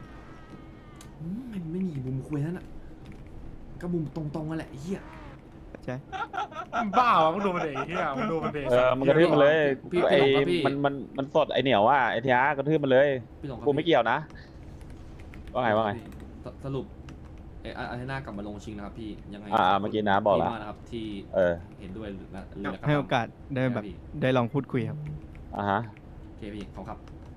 [SPEAKER 1] ไม่มีมุมคุยนั่นอ่ะก็มุมตรงๆนั่นแหละเฮีย
[SPEAKER 2] ใช่
[SPEAKER 6] บ้าวะมึงดูมันเด็กที่มึงดูมันเด็ก
[SPEAKER 12] มันกระทืบมันเลย
[SPEAKER 1] พี่
[SPEAKER 12] ไอ้
[SPEAKER 1] หลงครับพี่
[SPEAKER 12] มันสดไอ้เหนียวว่าไอ้ทีอาร์กระทืบมันเลย
[SPEAKER 1] พี่หลงครับ
[SPEAKER 12] กูไม่เกี่ยวนะว่าไง
[SPEAKER 1] สรุปอาเทน่ากลับมาลงชิงนะครับพี่ยังไง
[SPEAKER 12] เมื่อกี้นะบอกแล้ว
[SPEAKER 1] พี่มานะครับที่ เห็นด้วยหรือแล้ว
[SPEAKER 2] ให้โอกาสได้แบบได้ลองพูดคุยครับ
[SPEAKER 12] ฮะ
[SPEAKER 1] โอเคพี่ขอบครับ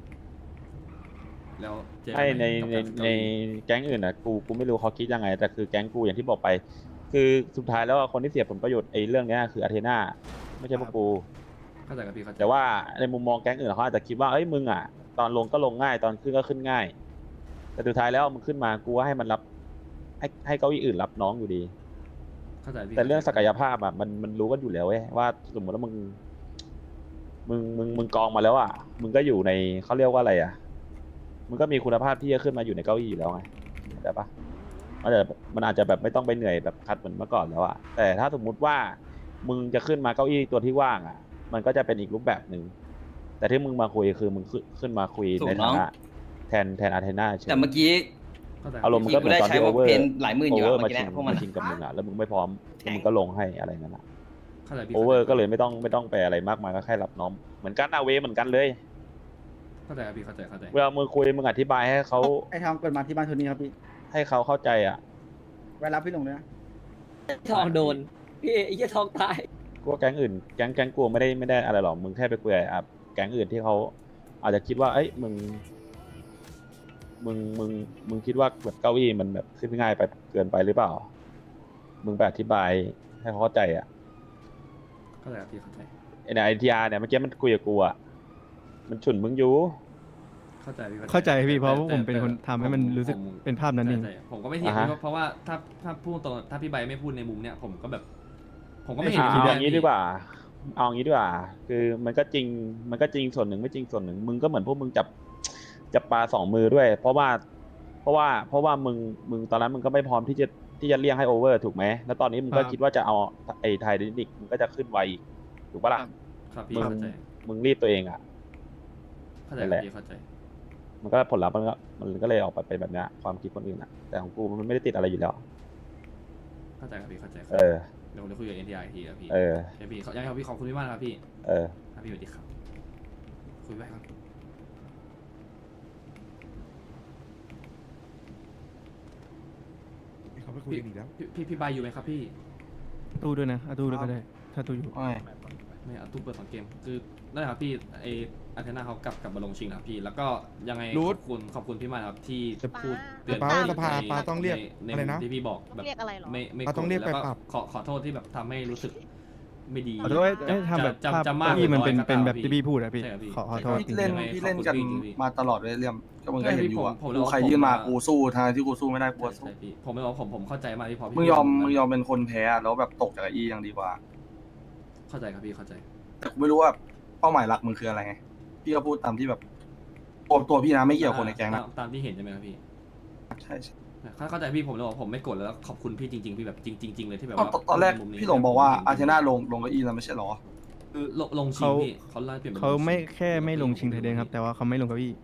[SPEAKER 1] แล้วเจอกัน
[SPEAKER 12] ให้ใน
[SPEAKER 1] กับการ
[SPEAKER 12] ในแก๊งอื่นนะกูไม่รู้เขาคิดยังไงแต่คือแก๊งกูอย่างที่บอกไป คือสุดท้ายแล้วคนที่เสียผลประโยชน์ไอ้เรื่องเนี้ยคืออาเทน่าไม่ใช่พวกกู
[SPEAKER 1] เข้าใจกับพี่เข้าใจ
[SPEAKER 12] แต่ว่าในมุมมองแก๊งอื่นเขาอาจจะคิดว่าเอ้ยมึงอ่ะตอนลงก็ลงง่ายตอนขึ้นก็ขึ้นง่าย แต่สุดท้ายแล้วมึงขึ้นมากูว่าให้มันรับให้เก้าอี้อื่นรับน้องอยู่ดี
[SPEAKER 1] เข้าใจพี่
[SPEAKER 12] แต่เรื่องศักยภาพอ่ะมันรู้กันอยู่แล้วเว้ยว่าสมมติว่ามึงกองมาแล้วอ่ะมึงก็อยู่ในเขาเรียกว่าอะไรอ่ะมึงก็มีคุณภาพที่จะขึ้นมาอยู่ในเก้าอี้อยู่แล้วไงเข้าใจปะมันอาจจะแบบไม่ต้องไปเหนื่อยแบบคัดเหมือนเมื่อก่อนแล้วอ่ะแต่ถ้าสมมุติว่ามึงจะขึ้นมาเก้าอี้ตัวที่ว่างอ่ะ มันก็จะเป็นอีกรูปแบบหนึ่งแต่ที่มึงมาคุยคือมึงขึ้นมาคุยในฐานะแทนอาเทน่าเฉย
[SPEAKER 10] แต่เมื่อกี้
[SPEAKER 1] เข้าใจ
[SPEAKER 12] อารมณ์มันก็เหมือนตอนที่โอเวอร์
[SPEAKER 10] หลายหมื่น
[SPEAKER 12] โอ
[SPEAKER 10] อยู่
[SPEAKER 12] เวอร์
[SPEAKER 10] เมื่
[SPEAKER 12] มา
[SPEAKER 10] อกี้
[SPEAKER 12] ชิง
[SPEAKER 10] พวกมัน
[SPEAKER 12] มาชิงกับมึงอ่ะแล้วมึงไม่พร้อมแล้วมึงก็ลงให้อะไรนั่นอ่ะ
[SPEAKER 1] เข้าใจพี่
[SPEAKER 12] โอเวอร์ก็เลยไม่ต้องไปอะไรมากมายก็แค่รับน้องเหมือนกันอาเวเหมือนกันเลย
[SPEAKER 1] เข้าใจครับพี่เข้าใจ
[SPEAKER 12] เวลามึงคุยมึงอธิบายให้เขา
[SPEAKER 10] ไอ้ทองเปิดมาที่บ้านโทนี่ครับพี่
[SPEAKER 12] ให้เขาเข้าใจอ่ะ
[SPEAKER 10] ไว้รับพี่หลงด้วยนะ
[SPEAKER 7] ทองโดนพี่ไอ้เหี้ยทองตาย
[SPEAKER 12] กูว่าแก๊งอื่นแก๊งกูไม่ได้อะไรหรอกมึงแค่ไปคุยกับแก๊งอื่นที่เขาอาจจะคิดว่าเอ้ยมึงคิดว่าแบบเก้าอี้มันแบบขึ้นง่ายไปเกินไปหรือเปล่า มึงไปอธิบายให้เขาเข้าใจอ่ะ
[SPEAKER 1] เข้าใจครับพี่เข้าใจ
[SPEAKER 12] ไอทีอาร์เนี่ยเมื่อกี้มันคุยกับกูอ่ะมันฉุนมึงอยู่
[SPEAKER 1] เข้าใจพี่
[SPEAKER 2] เข้าใจพี่เพราะว่า
[SPEAKER 1] แต่
[SPEAKER 2] ผมเป็นคนทำให้มันรู้สึก
[SPEAKER 1] ผม
[SPEAKER 2] เป็นภาพนั้นเอง
[SPEAKER 1] ใช่ผมก็ไม่เถียง
[SPEAKER 12] อ่าฮะ
[SPEAKER 1] พี่เพราะว่าถ้าพูดตรงถ้าพี่ใบไม่พูดในมุมเนี้ยผมก็แบบ ผมก็ไม่เห็น
[SPEAKER 12] เอา
[SPEAKER 1] ผิ
[SPEAKER 12] อย่างนี้ดีกว่า เอาอย่างนี้ดีกว่า คือมันก็จริงส่วนหนึ่งไม่จริงส่วนหนึ่ง มึงก็เหมือนพวกมึงจับปลาสองมือด้วย เพราะว่ามึงตอนนั้นมึงก็ไม่พร้อมที่จะเลี่ยงให้โอเวอร์ถูกไหม แล้วตอนนี้มึงก็
[SPEAKER 2] ครับ
[SPEAKER 12] คิดว่าจะเอาไอ้ไทยดินิกมึงก็จะขึ้นไวอีกถูกปะล่ะ
[SPEAKER 1] ครับพี่
[SPEAKER 12] มึง
[SPEAKER 1] เข้าใจ
[SPEAKER 12] มึงรีบตัวเองอ่ะ
[SPEAKER 1] เข้าใจ
[SPEAKER 12] นั่นแหละ
[SPEAKER 1] พี่เข้าใจ
[SPEAKER 12] มันก็ผลลัพธ์มันก็เลยออกไปเป็นแบบเนี้ยความคิดคนอื่นอ่ะ แต่ของกูมันไม่ได้ติดอะไรอยู่แล้ว
[SPEAKER 1] เข้าใจครับพี่เข้าใจ
[SPEAKER 12] เออ
[SPEAKER 1] เดี๋ยวผมจะคุยกับ NTR อีกทีครับพี่
[SPEAKER 12] เออ
[SPEAKER 1] โอเคพี่ยังไงครับพี่ขอบคุณพี่มากนะครับพี่
[SPEAKER 12] เออ
[SPEAKER 1] ครับพี่สวัสดีครับคุยไปครับ
[SPEAKER 11] เขาไปคุยกันอีกแล้ว
[SPEAKER 1] พี่ใบอยู่ไหมครับพี่
[SPEAKER 2] ตู้ด้วยนะตู้ด้วยก็ได้ ถ้าตู้อยู่
[SPEAKER 1] ไม่เอาตู้เปิดสองเกมคือนั่นแหละครับพี่ไออาเทน่าเขากลับมาลงชิงนะครับพี่แล้วก็ยังไง
[SPEAKER 11] รูท
[SPEAKER 1] ขอบคุณพี่มากครับที่พูดเตือน
[SPEAKER 11] ปา
[SPEAKER 1] ใน
[SPEAKER 11] สภาปาต้องเรียก
[SPEAKER 1] ใน
[SPEAKER 11] อะไรนะ
[SPEAKER 1] ที่พี่บอกแบบ
[SPEAKER 8] เรียกอะไรหรอ
[SPEAKER 1] ไม่
[SPEAKER 11] ปาต้องเรียก
[SPEAKER 1] แล้วก็
[SPEAKER 11] ไปปรับ
[SPEAKER 1] ขอโทษที่แบบทำให้รู้สึกไม่ดี
[SPEAKER 2] ขอโทษให้ทำแบบภาพ
[SPEAKER 1] จะมาก
[SPEAKER 2] ที่มัน
[SPEAKER 1] หรือ
[SPEAKER 2] เป็น
[SPEAKER 1] อย
[SPEAKER 2] แบบที่พี่พูดอะพี่
[SPEAKER 1] ใช่ครับพี่
[SPEAKER 2] ขอโทษ
[SPEAKER 10] พี่เล่น
[SPEAKER 1] ยังไง
[SPEAKER 10] พี่เล่น
[SPEAKER 1] ขอบคุณ
[SPEAKER 10] กัน
[SPEAKER 1] พี่จริงๆพี่
[SPEAKER 10] มาตลอดเลยเรื่องก็มึงก็เห็นอยู่อะ
[SPEAKER 1] ผม
[SPEAKER 10] กูใคร
[SPEAKER 1] ผม
[SPEAKER 10] ยื่นมา
[SPEAKER 1] ผม
[SPEAKER 10] กูสู้ทางที่กูสู้ไม่ได้กูก็สู้
[SPEAKER 1] ใช่พี่ผมไม่บอกผมเข้าใจมากที่พอพี่
[SPEAKER 10] มึงยอมเป็นคนแพ้อะแล้วแบบตกจากไอ้อียังดีกว่า
[SPEAKER 1] เข้าใจครับพี่เข้าใจ
[SPEAKER 10] แต่กูไม่รู้ว่าเป้าหมายหลักมึงคืออะไรไง พี่ก็พูดตามที่แบบตัวพี่นะไม่เกี่ยวกับคนในแก๊งนะ
[SPEAKER 1] ตามที่เห็นใช่ไหมครับพี่
[SPEAKER 10] ใช่ใช่
[SPEAKER 1] เข้าใจพี่ผมเลยบอกผมไม่โกรธแล้วขอบคุณพี่จริงๆพี่แบบจริงๆเลยที่แบบ
[SPEAKER 10] เอา
[SPEAKER 1] ว่า
[SPEAKER 10] ตอนแรก
[SPEAKER 1] มุมนี้
[SPEAKER 10] พี่หลงบอกว่าอาร์เทน่าลงเก้าอี้แล้วไม่ใช่หรอ
[SPEAKER 1] คือลงชิงพี่เขาไล่เปลี่ยนป็น
[SPEAKER 2] เขา
[SPEAKER 1] ลงชิง
[SPEAKER 2] ไม่แค่ไม่ลงชิงไทยเดนครับ แต่ว่าเขาไม่ลงเก้าอี้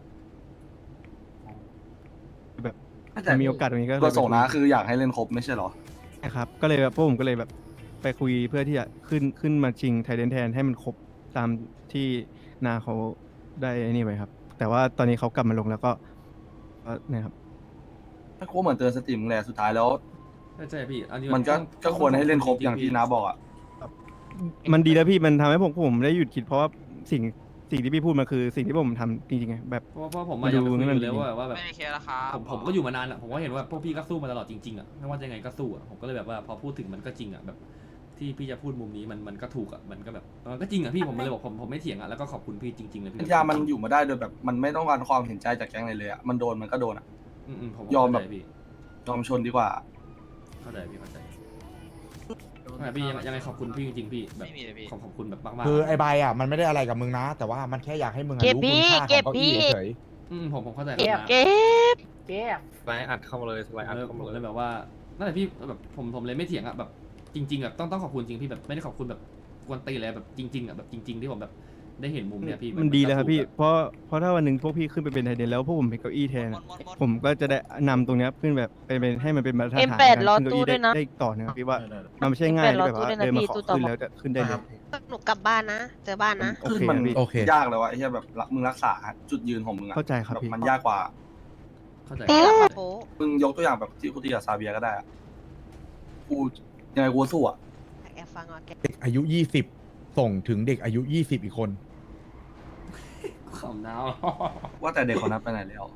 [SPEAKER 2] แบบถ้ามีโอกาสตรงนี้ก็เลย
[SPEAKER 10] ก็ส่งนะ
[SPEAKER 2] ไปคุย
[SPEAKER 10] คืออยากให้เล่นครบไม่ใช่หรอ
[SPEAKER 2] นะครับก็เลยแบบพวกผมก็เลยแบบไปคุยเพื่อที่จะขึ้นมาชิงไทยเดนแทนให้มันครบตามที่นาเขาได้นี่ไปครับ แต่ว่าตอนนี้เขากลับมาลงแล้วก็เนี่ยครับ
[SPEAKER 10] ถ้ากูเหมือนเตือนสติมึงแหละสุดท้ายแล้ว
[SPEAKER 1] ใช่พี่อันนี้
[SPEAKER 10] มันก็ควรให้เล่นครบอย่างที่น้าบอกอ่ะ
[SPEAKER 2] มันดีแล้วพี่มันทำให้ผมได้หยุดคิดเพราะว่าสิ่งที่พี่พูดมันคือสิ่งที่ผมทำจริงๆไงแบบ
[SPEAKER 1] เพราะผมมาอยากไปคุยอยู่แล้วว่าแบบ
[SPEAKER 9] ไม่มีเคสแล้วครับ
[SPEAKER 1] ผมก็อยู่มานานอ่ะผมก็เห็นว่าพวกพี่ก็สู้มาตลอดจริงๆอ่ะไม่ว่าจะยังไงก็สู้อ่ะผมก็เลยแบบว่าพอพูดถึงมันก็จริงอ่ะแบบที่พี่จะพูดมุมนี้มันก็ถูกอะมันก็แบบมันก็จริงอะพี่ผมเลยบอกผมไม่เถียงอะแล้วก็ขอบคุณพี่จริงๆเลยพี่
[SPEAKER 10] พัทยามันอยู่มาได้โดยแบบมันไม่ต้องการความเห็นใจจากแก๊งเลยอะมันโดนมันก็โดนอะ
[SPEAKER 1] ผม
[SPEAKER 10] ยอมแบบ
[SPEAKER 1] เข้าใจพี่
[SPEAKER 10] ยอมชนดีกว่า
[SPEAKER 1] เข้าใจพี่เข้าใจพี่ยังไงขอบคุณพี่จริงๆพี่แบบ
[SPEAKER 9] ไม่มีเลยพี่
[SPEAKER 1] ขอบคุณแบบมากๆ
[SPEAKER 11] คือไอ้ใบอ่ะมันไม่ได้อะไรกับมึงนะ แต่ว่ามันแค่อยากให้มึงอะ
[SPEAKER 8] เก็บ
[SPEAKER 11] รู้
[SPEAKER 8] พี่
[SPEAKER 11] คุณค่าของ
[SPEAKER 8] เก็บ
[SPEAKER 11] เก้า
[SPEAKER 8] พี่
[SPEAKER 11] อี้เฉย
[SPEAKER 1] ผมเข้าใจ
[SPEAKER 8] เก็บ
[SPEAKER 1] นะ
[SPEAKER 8] เก็บเก็บ
[SPEAKER 3] สไลด์อัดเข้ามาเลยสไลด์อัด
[SPEAKER 1] แล้ว
[SPEAKER 3] เข้า
[SPEAKER 1] ผม
[SPEAKER 3] มา
[SPEAKER 1] ก็
[SPEAKER 3] เล
[SPEAKER 1] เลย ยแบบว่านั่นแหละพี่แบบผมเลยไม่เถียงอะแบบจริงๆแบบต้องขอบคุณจริงพี่แบบไม่ได้ขอบคุณแบบกวนตีนอะไรแบบจริงๆอะแบบจริง ๆ ที่ผมแบบได้เห็นมุมเนี้ยพี่
[SPEAKER 2] มันดีเลยครับพี่
[SPEAKER 1] ก็ถูกอะ
[SPEAKER 2] เพราะถ้าวันหนึ่งพวกพี่ขึ้นไปเป็นไทเดนแล้วพวกผมเป็นเก้าอี้แทนอะผมก็จะได้นำตรงเนี้ยขึ้นแบบเป็นให้มันเป็นมาตรฐาน
[SPEAKER 8] M8
[SPEAKER 2] ใน
[SPEAKER 8] รอ
[SPEAKER 2] การขึ้นเก้า
[SPEAKER 8] ตู้
[SPEAKER 2] อี้
[SPEAKER 8] ด้วยนะ
[SPEAKER 2] ได้ต่อนะครับพี่ว่ามันไม่ใช่ง่ายที่แบบว่า
[SPEAKER 8] M8 รอตู้ด้วยนะ
[SPEAKER 2] เดินมา
[SPEAKER 8] พี่
[SPEAKER 2] ขอ
[SPEAKER 8] ตู้ต่อ
[SPEAKER 2] ขึ้นแล้วจะขึ้นได้เลย
[SPEAKER 8] หนูกลับบ้านนะ เจอบ้านนะ
[SPEAKER 2] โอเค
[SPEAKER 10] มัน
[SPEAKER 2] ครับพี่
[SPEAKER 11] โอเค
[SPEAKER 10] ยากแล้วอะไอ้เหี้ยแบบมึงรักษาจุดยืนของมึงอะ
[SPEAKER 2] เข้าใจครับ
[SPEAKER 10] แบบ
[SPEAKER 2] พี่
[SPEAKER 10] มันยากกว่า
[SPEAKER 1] เข้าใจ
[SPEAKER 8] พี่หลับมาโฟ
[SPEAKER 10] มึงยกตัวอย่างแบบที่กูตีกับซาเบียก็ได้อะกูยังไงกูก็สู้อะ
[SPEAKER 8] แอบฟังอ่ะแก
[SPEAKER 11] ๆเด็กอายุ 20 ส่งถึงเด็กอายุ 20 อีกคน
[SPEAKER 1] ขำน้าว
[SPEAKER 10] ว่าแต่เด็กคนนั้นไปไหนแล้ว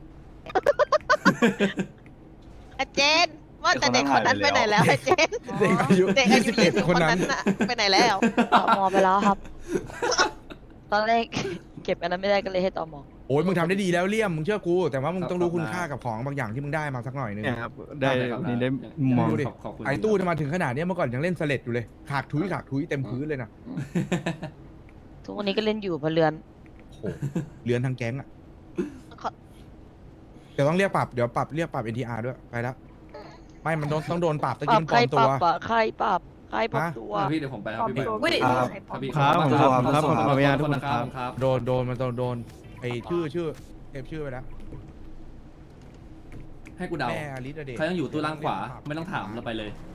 [SPEAKER 8] อาเจน ว่าแต่เด็กคนนั้นไปไหนแล้วอาเจน
[SPEAKER 11] เด็กอายุ
[SPEAKER 8] เด็กอายุ20
[SPEAKER 11] 21
[SPEAKER 8] ค
[SPEAKER 11] คน น
[SPEAKER 8] นั้
[SPEAKER 11] นั้น น
[SPEAKER 8] น่ะไปไหนแล้ว
[SPEAKER 7] ต่อมอไปแล้วครับ ตอนแรก เก็บอันนั้นไม่ได้ก็เลยให้ต่อมอ
[SPEAKER 11] โอ้ยมึงทำได้ดีแล้วเลี่ยมมึงเชื่อกู แต่ว่ามึงต้องรู้คุณค่ากับของบางอย่างที่มึงได้มาสักหน่อยนึง
[SPEAKER 2] เนี่ยครับได้
[SPEAKER 1] ครับ
[SPEAKER 2] นี่ได้มอง
[SPEAKER 11] ดูดิ
[SPEAKER 1] ขอบคุณ
[SPEAKER 11] ไอ้ตู้จะมาถึงขนาดเนี้ยเมื่อก่อนยังเล่นสเลดอยู่เลยขากทุยเต็มพื้นเลยนะ
[SPEAKER 7] ทุกวันนี้ก็เล่นอยู่พะเรือน
[SPEAKER 11] โอ้โหเลือนทั้งแก๊งอ่ะ
[SPEAKER 8] ขอ
[SPEAKER 11] เดี๋ยวต้องเรียกปรับ เดี๋ยวปรับเรียกปรับ NTR ด้วย ไปแล้ว ไม่ มันต้องโดนปรับตะ
[SPEAKER 7] ปรั
[SPEAKER 11] กี้
[SPEAKER 7] บ
[SPEAKER 11] มัน
[SPEAKER 7] ใค
[SPEAKER 11] ปล
[SPEAKER 7] ร
[SPEAKER 11] อม
[SPEAKER 7] ป
[SPEAKER 11] ตั
[SPEAKER 7] รั
[SPEAKER 11] ว
[SPEAKER 7] บอะใครปรับใครปรับ
[SPEAKER 11] ฮะ
[SPEAKER 7] ตัว
[SPEAKER 1] พี่เดี๋ยวผมไปครับพี่
[SPEAKER 8] อุ้ย
[SPEAKER 10] ครับ
[SPEAKER 1] ครับพี่
[SPEAKER 2] ครับผมครับครับผมขออนุญาตทุกคน
[SPEAKER 1] ค
[SPEAKER 2] ค
[SPEAKER 1] รั
[SPEAKER 2] รั
[SPEAKER 1] บบ ครับ
[SPEAKER 11] โดนมันโดนไอ้ชื่อเทปชื่อไปแล้ว
[SPEAKER 1] ให้กูเดา
[SPEAKER 11] แม่อลิสอะเด็ก
[SPEAKER 1] เขายังอยู่ตู้ล่างขวาไม่ต้องถามเราไปเลย